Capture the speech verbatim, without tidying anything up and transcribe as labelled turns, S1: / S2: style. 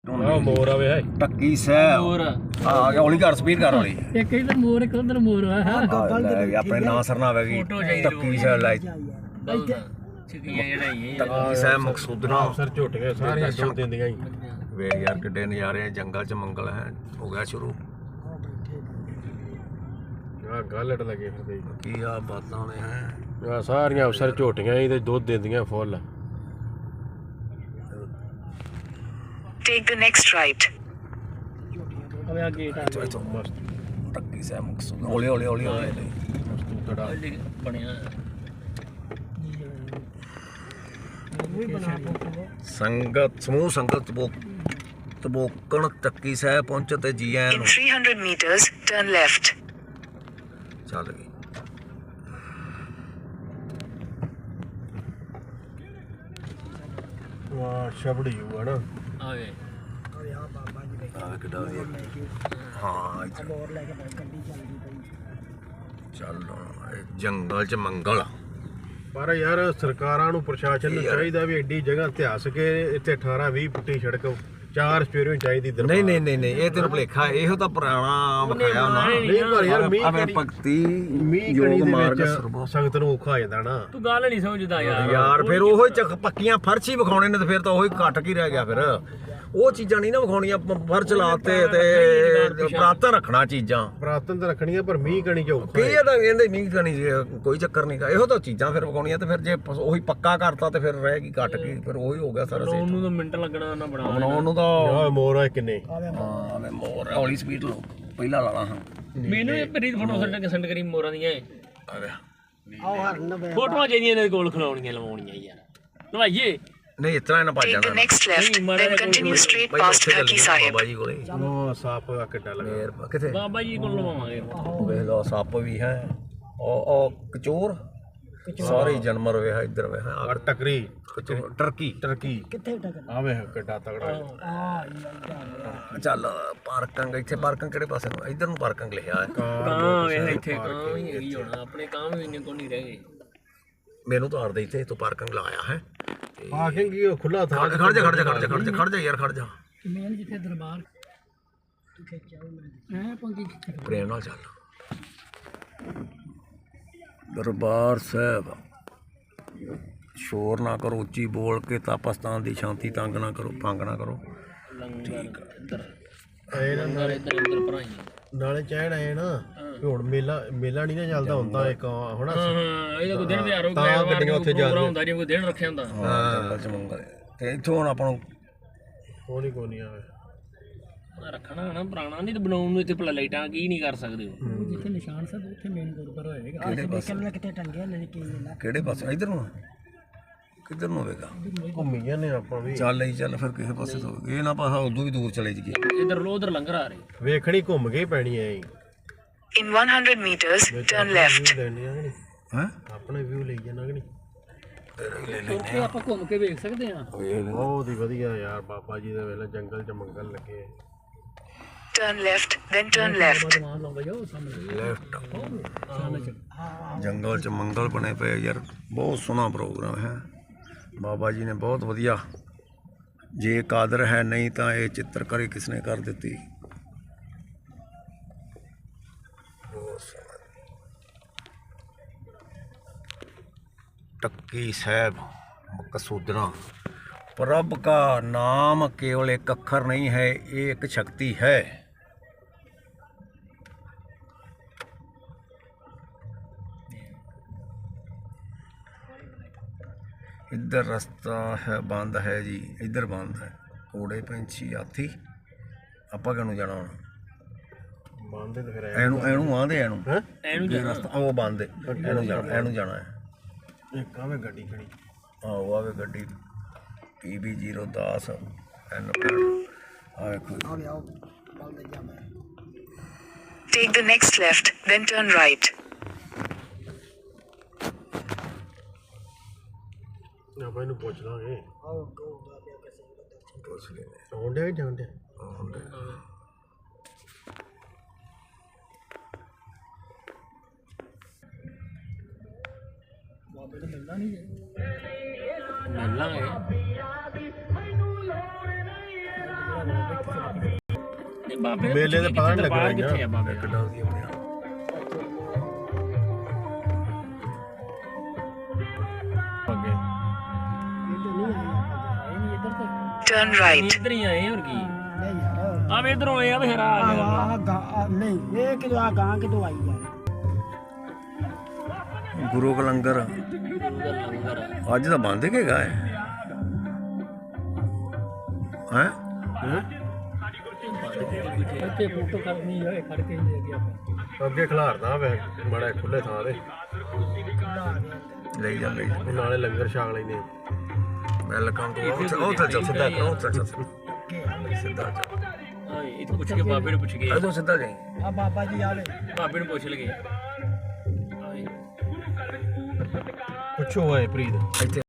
S1: मोर आवे है
S2: टक्की सह
S3: मोर
S2: आ गया हौली कर स्पीड कर हौली
S3: एक इधर मोर एक उधर मोर है
S2: अपने ना सरना आवेगी टक्की सह लाई
S3: छिकियां जेड़ा ये
S2: टक्की सह मकसूदना
S1: सर झोटियां सारियां दुध दिंदियां ही
S2: वे यार किड्डे नज़ारे जंगल च मंगल है हो गया शुरू
S1: आ गालट लगे फिरदे
S2: की आ बातां ने है
S1: आ सारियां अफसर झोटियां ही ते दुध दिंदियां फुੱਲ
S4: Take the next right.
S3: अब आ गेट आ
S2: तो
S1: मस्त
S2: टक्की सह मकसूदना हौली हौली हौली हौली
S1: मस्तूतड़ा
S3: बनया
S2: संगत समूह संगत तबोक तबोकन टक्की सह पहुंचे ते जी आन
S4: In three hundred meters, turn left.
S2: चल गई
S1: वाह छबड़ी हुआ ना
S3: आवे
S2: ਆ ਕਿੱਡਾ ਵਧੀਆ ਹਾਂ ਚੱਲ ਇਹ ਜੰਗਲ ਚ ਮੰਗਲ
S1: ਪਰ ਯਾਰ ਸਰਕਾਰਾਂ ਨੂੰ ਪ੍ਰਸ਼ਾਸਨ ਨੂੰ ਚਾਹੀਦਾ ਵੀ ਐਡੀ ਜਗ੍ਹਾ ਇਤਿਹਾਸ ਕੇ ਇੱਥੇ ਅਠਾਰਾਂ ਵੀਹ ਫੁੱਟੀ ਸੜਕ ਚਾਰ ਸਪੇਰੋਂ ਚਾਹੀਦੀ ਦਰਬਾਰ
S2: ਨਹੀਂ ਨਹੀਂ ਨਹੀਂ ਨਹੀਂ ਇਹ ਤੈਨੂੰ ਭੁਲੇਖਾ ਇਹੋ ਤਾਂ ਪੁਰਾਣਾ ਵਿਖਾਇਆ ਉਹਨਾਂ
S1: ਨਹੀਂ ਪਰ ਯਾਰ ਮੀਂਹ
S2: ਅਵੇ
S1: ਕਣੀ
S2: ਭਗਤੀ
S1: ਮੀਂਹ ਕਣੀ
S2: ਯੋਗ
S1: ਦੇ
S2: ਮਾਰਗ
S1: ਵਿੱਚ
S2: ਸਰਬੋ
S1: ਸੰਗਤ ਨੂੰ ਔਖਾ ਹੋ ਜਾਂਦਾ ਨਾ
S3: ਤੂੰ ਗੱਲ ਨਹੀਂ ਸਮਝਦਾ ਯਾਰ
S2: ਯਾਰ ਫਿਰ ਉਹੋ ਚੱਕ ਪੱਕੀਆਂ ਫਰਸ਼ ਹੀ ਵਿਖਾਉਣੇ ਨੇ ਤੇ ਫਿਰ ਤਾਂ ਉਹੀ ਘਟ ਕੀ ਰਹਿ ਗਿਆ ਫਿਰ ਉਹ ਚੀਜ਼ਾਂ ਨਹੀਂ ਨਾ ਵਿਖਾਉਣੀਆਂ ਫਰਸ਼ ਲਾਤੇ ਤੇ ਪ੍ਰਾਤਨ ਰੱਖਣਾ ਚੀਜ਼ਾਂ
S1: ਪ੍ਰਾਤਨ ਤਾਂ ਰੱਖਣੀਆਂ ਪਰ ਮੀਂਹ ਕਣੀ ਚ ਔਖਾ
S2: ਕੀ ਇਹ ਤਾਂ ਕਹਿੰਦੇ ਮੀਂਹ ਕਣੀ ਕੋਈ ਚੱਕਰ ਨਹੀਂ ਗਾ ਇਹੋ ਤਾਂ ਚੀਜ਼ਾਂ ਫਿਰ ਵਿਖਾਉਣੀਆਂ ਤੇ ਫਿਰ ਜੇ ਉਹੀ ਪੱਕਾ ਕਰਤਾ ਤੇ ਫਿਰ ਰਹਿ ਗਈ ਘਟ ਕੀ ਫਿਰ ਉਹੀ ਹੋ ਗਿਆ ਸਾਰਾ
S3: ਉਹਨੂੰ ਤਾਂ ਮਿੰਟ ਲੱਗਣਾ ਨਾ ਬਣਾ
S2: ਬਣਾਉਣ ਨੂੰ ਤਾਂ
S1: ਆ ਮੋਰ ਆ ਕਿੰਨੇ
S2: ਹਾਂ ਮੈਂ ਮੋਰ ਹੌਲੀ ਸਪੀਡ ਲੋ ਪਹਿਲਾਂ ਲਾਣਾ ਹਾਂ
S3: ਮੈਨੂੰ ਇਹ ਮੇਰੀ ਫੋਟੋ ਸੈਂਡ ਕੇ ਸੈਂਡ ਕਰੀ ਮੋਰਾਂ ਦੀਆਂ
S2: ਆ ਗਿਆ
S3: ਫੋਟੋਆਂ ਜਿਹੜੀਆਂ ਇਹਨਾਂ ਦੇ ਕੋਲ ਖਲਾਉਣੀਆਂ ਲਵਾਉਣੀਆਂ ਯਾਰ ਲਵਾਈਏ
S2: ਨਹੀਂ ਇਤਨਾ ਇਹਨਾਂ ਭੱਜ
S4: Take
S2: ਜਾਣਾ
S4: the next left, then continue straight past Khaki Sahib.
S2: ਬਾਬਾ ਜੀ ਕੋਲੇ
S1: ਉਹ ਸੱਪ ਆ ਕਿੱਡਾ ਲੱਗਾ
S2: ਫੇਰ ਕਿੱਥੇ
S3: ਬਾਬਾ ਜੀ ਕੋਲ ਲਵਾਵਾਂਗੇ
S2: ਉਹ ਵੇਖ ਲਓ ਸੱਪ ਵੀ ਹੈ ਉਹ ਉਹ ਕਚੋਰ ਸਾਰੇ ਜਾਨਵਰ ਵੇ ਹੈ ਇੱਧਰ ਵੇ ਹੈ
S1: ਆ ਟਕਰੀ
S2: ਕਚੋਰ ਟਰਕੀ
S1: ਟਰਕੀ ਕਿੱਥੇ ਆਵੇ ਕਿੱਡਾ ਤਗੜਾ
S2: ਚੱਲ ਪਾਰਕਿੰਗ ਇੱਥੇ ਪਾਰਕਿੰਗ ਕਿਹੜੇ ਪਾਸੇ ਨੂੰ ਇੱਧਰ ਨੂੰ ਪਾਰਕਿੰਗ ਲਿਖਿਆ ਹੈ
S3: ਕਾਂ ਵੇ ਇੱਥੇ ਕਾਂ ਵੀ ਹੈਗੀ ਹੁਣ ਆਪਣੇ ਕਾਂ ਵੀ ਇੰਨੇ ਕੋ ਨਹੀਂ ਰਹਿ ਗਏ
S2: ਮੈਨੂੰ ਤਾਂ ਆਰਦੇ ਇੱਥੇ ਤੋਂ ਪਾਰਕਿੰਗ ਲਾਇਆ ਹੈ
S1: ਪਾਰਕਿੰਗ ਕੀ ਉਹ ਖੁੱਲਾ ਥਾਂ
S2: ਖੜ ਜਾ ਖੜ ਜਾ ਖੜ ਜਾ ਖੜ ਜਾ ਖੜ ਜਾ ਯਾਰ ਖੜ ਜਾ
S3: ਮੇਨ ਜਿੱਥੇ ਦਰਬਾਰ ਤੂੰ ਖਿੱਚਿਆ ਮੈਂ ਐ ਪੰਗੀ
S2: ਪ੍ਰੇਮ ਨਾਲ ਚੱਲ ਦਰਬਾਰ ਸਾਹਿਬ ਸ਼ੋਰ ਨਾ ਕਰੋ ਉੱਚੀ ਬੋਲ ਕੇ ਤਾਪਸਤਾਨ ਦੀ ਸ਼ਾਂਤੀ ਤੰਗ ਨਾ ਕਰੋ ਭੰਗ ਨਾ ਕਰੋ
S3: ਲੰਗਰ ਇੱਧਰ
S1: ਐ ਨਾ
S3: ਲੰਗਰ ਇੱਧਰ ਇੱਧਰ ਭਰਾਈ
S1: ਨਾਲੇ ਚੈਨ ਆਏ ਨਾ ਵੀ ਹੁਣ ਮੇਲਾ ਮੇਲਾ ਨਹੀਂ ਨਾ ਚੱਲਦਾ ਹੁੰਦਾ ਇੱਕ ਹੋਣਾ
S3: ਹਾਂ ਇਹਦਾ ਕੋਈ ਦਿਨ ਵਿਹਾਰ ਹੋ
S1: ਤਾਂ ਗੱਡੀਆਂ ਉੱਥੇ ਜਾ
S3: ਹੁੰਦਾ ਜੇ ਕੋਈ ਦਿਨ ਰੱਖਿਆ ਹੁੰਦਾ
S2: ਹਾਂ ਜੰਗਲ ਚ ਮੰਗਲ ਤੇ ਇੱਥੋਂ ਹੁਣ ਆਪਾਂ ਨੂੰ
S1: ਕੋਣੀ ਕੋਣੀ ਆਵੇ
S3: ਰੱਖਣਾ ਨਾ ਪੁਰਾਣਾ ਨਹੀਂ ਤੇ ਬਣਾਉਣ ਨੂੰ ਇੱਥੇ ਭਲਾ ਲਾਈਟਾਂ ਕੀ ਨਹੀਂ ਕਰ ਸਕਦੇ ਉਹ ਜਿੱਥੇ ਨਿਸ਼ਾਨ ਸਾਹਿਬ ਉੱਥੇ ਮੇਨ ਗੁਰਦੁਆਰਾ ਹੋਏਗਾ
S2: ਕਿਹੜੇ ਪਾਸੇ
S3: ਕਿਤੇ ਟੰਗਿਆ ਨਹੀਂ ਕੀ
S2: ਕਿਹੜੇ ਪਾਸੇ ਇੱਧਰ ਨੂੰ ਕਿੱਧਰ ਨੂੰ ਹੋਵੇਗਾ
S1: ਘੁੰਮੀ ਜਾਂਦੇ ਆਪਾਂ ਵੀ
S2: ਚੱਲ ਲਈ ਚੱਲ ਫਿਰ ਕਿਸੇ ਪਾਸੇ ਤੋਂ ਇਹ ਨਾ ਪਾਸਾ ਉਦੋਂ ਵੀ ਦੂਰ ਚਲੇ ਜੀਏ
S3: ਇਧਰ ਲੋ ਉਧਰ ਲੰਗਰ ਆ ਰਹੇ
S1: ਵੇਖਣੀ ਘੁੰਮ ਕੇ ਪੈਣੀ ਐ
S4: In one hundred meters, turn left.
S1: ਲੈਣੀ ਆ ਕਿ ਨਹੀਂ
S2: ਹੈ
S1: ਆਪਣੇ ਵਿਊ ਲਈ ਜਾਣਾ ਕਿ ਨਹੀਂ
S3: ਉੱਥੇ ਆਪਾਂ ਘੁੰਮ ਕੇ ਵੇਖ ਸਕਦੇ ਆ
S1: ਬਹੁਤ ਹੀ ਵਧੀਆ ਯਾਰ ਬਾਬਾ ਜੀ ਦੇ ਵੇਲੇ ਜੰਗਲ ਚ ਮੰਗਲ ਲੱਗੇ
S4: Turn left, then turn left.
S2: Left ਜੰਗਲ ਚ ਮੰਗਲ ਬਣੇ ਪਏ ਯਾਰ ਬਹੁਤ ਸੋਹਣਾ ਪ੍ਰੋਗਰਾਮ ਹੈ ਬਾਬਾ ਜੀ ਨੇ ਬਹੁਤ ਵਧੀਆ ਜੇ ਕਾਦਰ ਹੈ ਨਹੀਂ ਤਾਂ ਇਹ ਚਿੱਤਰਕਾਰੀ ਕਿਸਨੇ ਕਰ ਦਿੱਤੀ ਬਹੁਤ ਸੋਹਣਾ ਟੱਕੀ ਸਾਹਿਬ ਮਕਸੂਦਨਾ प्रभ का नाम केवल एक अक्षर नहीं है ये एक शक्ति है इधर रास्ता है बंद है जी इधर बंद है घोड़े पंछी हाथी ਆਪਾਂ ਕਿਹਨੂੰ ਜਾਣਾ ਹੁਣ
S1: ਬੰਦੇ ਤੇ ਫਿਰ
S2: ਐਨੂੰ ਐਨੂੰ ਆਂਦੇ ਐਨੂੰ
S1: ਹੈ
S3: ਐਨੂੰ
S2: ਇਹ ਰਸਤਾ ਉਹ ਬੰਦ ਹੈ ਐਨੂੰ ਜਾਣਾ ਐਨੂੰ ਜਾਣਾ ਹੈ
S1: ਇੱਕ ਆਵੇ ਗੱਡੀ ਖੜੀ
S2: ਆਹੋ ਆਵੇ ਗੱਡੀ ਪੀ ਬੀ ਜ਼ੀਰੋ ਦਸ ਐਨ ਆ ਵੇਖੋ
S4: Take the next left, then turn right.
S1: ਆਪਾਂ ਇਹਨੂੰ ਪੁੱਛ ਲਾਂਗੇ
S2: ਪੁੱਛ ਲੈਨੇ
S1: ਆਉਂਦੇ ਜਾਂਦੇ
S2: ਆਉਂਦੇ
S3: ਬਾਬੇ ਨੂੰ ਮਿਲਣਾ ਨਹੀਂ ਮਿਲ ਲਾਂਗੇ ਨਹੀਂ ਬਾਬੇ ਨੂੰ
S1: ਮੇਲੇ ਦੇ
S3: ਪੁੱਛੀਏ
S1: ਪਤਾ
S3: ਕਿੱਥੇ
S1: ਨੀ ਲੱਗਣਾ
S3: ਦਰਬਾਰ ਕਿੱਥੇ ਆ ਬਾਬੇ ਦਾ?
S2: ਕਿੱਡਾ ਵਧੀਆ ਬਣਿਆ
S1: ਅੱਗੇ
S4: Turn right.
S3: ਇੱਧਰ ਹੀ ਆਏ ਹੋਰ ਕੀ
S5: ਨਹੀਂ ਯਾਰ
S3: ਆ ਵੇ ਇਧਰੋਂ ਆਏ ਆ ਵੇ ਹਰਾ
S5: ਆ
S3: ਆ ਗਿਆ
S5: ਆ ਗਾ ਨਹੀਂ ਇਹ ਕਿਦੋਂ ਆ ਗਾਂ ਕਿਦੋਂ ਆਈ ਯਾਰ
S2: ਗੁਰੂ ਕਾ ਲੰਗਰ
S3: ਲੰਗਰ
S2: ਅੱਜ ਤਾਂ ਬੰਦ ਹੈਗਾ ਹੈ ਹੈ
S3: ਇੱਥੇ ਫੋਟੋ ਕਰਨੀ ਹੋਏ ਖੜ ਕੇ ਹੀ ਅੱਗੇ ਆਪਾਂ
S1: ਅੱਗੇ ਖਿਲਾਰਦਾ ਵੇ ਬੜਾ ਖੁੱਲੇ ਥਾਂ ਤੇ
S2: ਲਈ ਜਾ ਲਈ ਜਾ
S1: ਉਹ ਨਾਲੇ ਲੰਗਰ ਛਾਕ ਲੈਂਦੇ
S2: ਵੈਲਕਮ ਟੂ ਉੱਥੇ ਉੱਥੇ ਚੱਲ ਸਿੱਧਾ ਕਰੋ ਉੱਥੇ ਚੱਲ ਸਿੱਧਾ ਚੱਲ
S3: ਹਾਂ ਇਹ ਪੁੱਛ ਕੇ ਬਾਬੇ ਨੂੰ ਪੁੱਛ ਗਏ
S2: ਇਦੋਂ ਸਿੱਧਾ ਜਾਈ
S5: ਆ ਬਾਬਾ ਜੀ ਆਵੇ
S3: ਬਾਬੇ ਨੂੰ ਪੁੱਛ ਲਗੇ
S1: ਪੁੱਛੋ ਓਏ ਪ੍ਰੀਤ
S2: ਇੱਥੇ